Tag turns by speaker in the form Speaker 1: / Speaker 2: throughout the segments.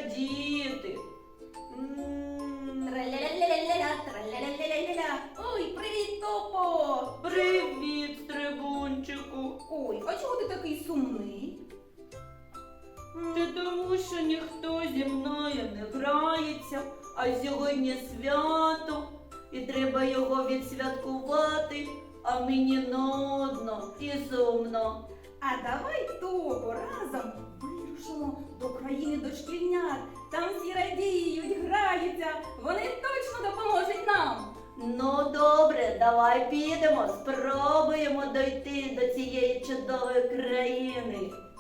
Speaker 1: радіти.
Speaker 2: Траля-ля-ля-ля-ля, траля-ля-ля-ля-ля. Ой, привіт, Топо!
Speaker 1: Привіт, Стрибунчику.
Speaker 2: Ой, а чого ти такий сумний?
Speaker 1: Та тому, що ніхто зі мною не грається, а сьогодні свято, і треба його відсвяткувати, а мені нудно і сумно.
Speaker 2: А давай, Топо, разом вирушимо до країни дошкільнят. Там всі радіють, граються, вони точно допоможуть нам.
Speaker 1: Ну добре, давай підемо, спробуємо дойти до цієї чудової країни.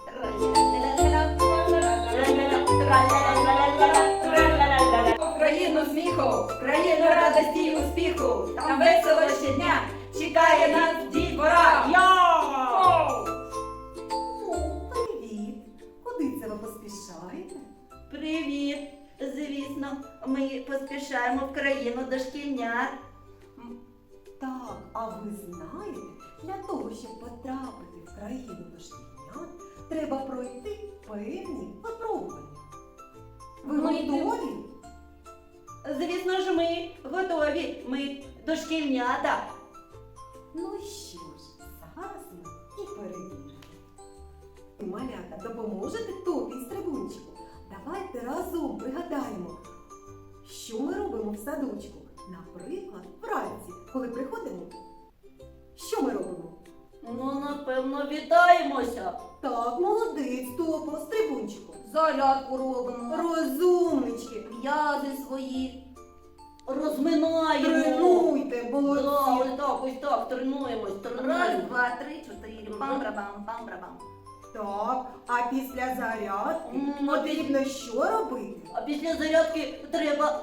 Speaker 2: В країну сміху, в країну радості і успіху. Там весело щодня чекає нас дітвора.
Speaker 3: Привіт! Куди це ви поспішаєте?
Speaker 1: Привіт! Звісно, ми поспішаємо в країну дошкільнят.
Speaker 3: Так, а ви знаєте, для того, щоб потрапити в країну дошкільнят, треба пройти певні випробування. Ви готові?
Speaker 1: Звісно ж, ми готові. Ми дошкільнята.
Speaker 3: Ну що ж, зараз ми і перевіримо. Малята, допоможете Топі і Стрибунчику? Давайте разом пригадаємо, що ми робимо в садочку. Наприклад, вранці, коли приходимо, що ми робимо?
Speaker 1: Ну, напевно, вітаємося.
Speaker 3: Так, молодець, Топо, Стрибунчику.
Speaker 2: Зарядку робимо,
Speaker 3: Розумнички.
Speaker 2: м'язи свої.
Speaker 1: Розминаємо.
Speaker 3: Тренуйте,
Speaker 1: Да,
Speaker 3: молодці.
Speaker 1: ось так, тренуємось.
Speaker 2: Раз, два, три, чотири, пам-брабам, пам-брабам.
Speaker 3: Так, а після зарядки
Speaker 1: М,
Speaker 3: потрібно що робити?
Speaker 1: А після зарядки треба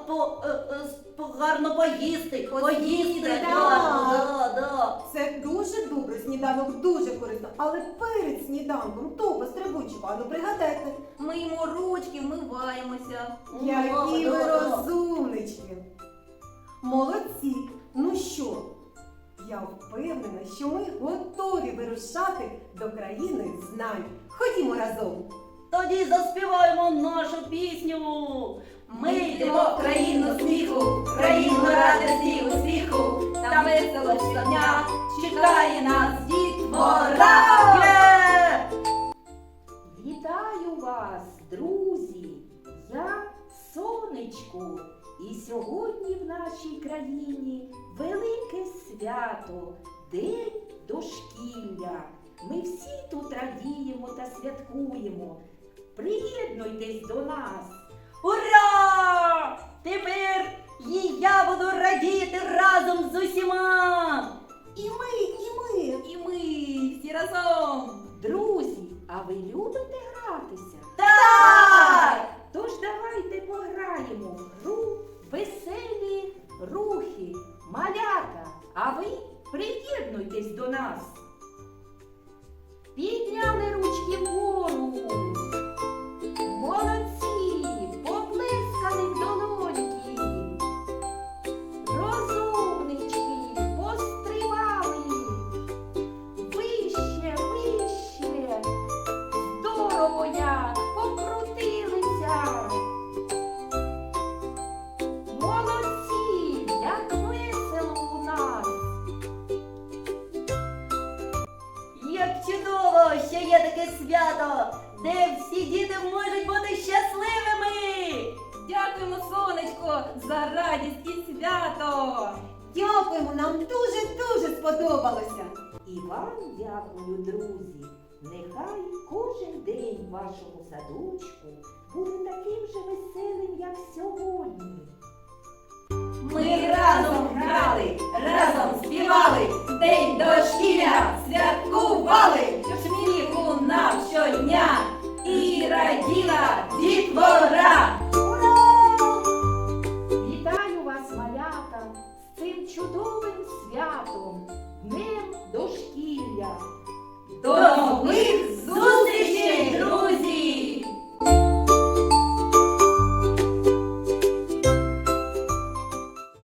Speaker 1: гарно поїсти. Поїсти.
Speaker 3: так.
Speaker 1: Да.
Speaker 3: Це дуже добре, сніданок дуже корисно. Але перед сніданком, Топо, Стрибунчику, а ну пригадайте,
Speaker 2: Миємо ручки, вмиваємося.
Speaker 3: які ви
Speaker 1: Да.
Speaker 3: розумнички. Молодці. Ну що, я впевнена, що ми готові вирушати до країни знань. Ходімо разом.
Speaker 1: Тоді заспіваємо нашу пісню.
Speaker 2: Ми йдемо в країну сміху, в країну радості і успіху. Там весело щодня чекає нас дітвора.
Speaker 1: Є!
Speaker 4: Вітаю вас, друзі! Я Сонечко. І сьогодні в нашій країні велике свято, День дошкілля. Ми всі тут радіємо та святкуємо. Приєднуйтесь до нас.
Speaker 1: Ура! Тепер і я буду радіти разом з усіма.
Speaker 3: І ми.
Speaker 2: І ми всі разом.
Speaker 4: Друзі, а ви любите гратися?
Speaker 1: Так!
Speaker 4: Тож давайте пограємо в гру «Веселі рухи». Малята, а ви приєднуйтесь до нас. Підняли ручки вгору. Молодці, поплескали в долоньки. Розумнички, пострибали. Вище, вище. Здорово як, покрутилися. Молодці, як весело у нас.
Speaker 1: Як чудово, що є таке свято, де всі діти можуть бути щасливими.
Speaker 2: Дякуємо, сонечко, за радість і свято.
Speaker 3: Дякуємо, нам дуже сподобалося.
Speaker 4: І вам дякую, друзі. Нехай кожен день в вашому садочку буде таким же веселим, як сьогодні.
Speaker 2: Ми разом грали, разом співали, день дошкілля святкували, щоб сміху нам щодня і раділа дітвора.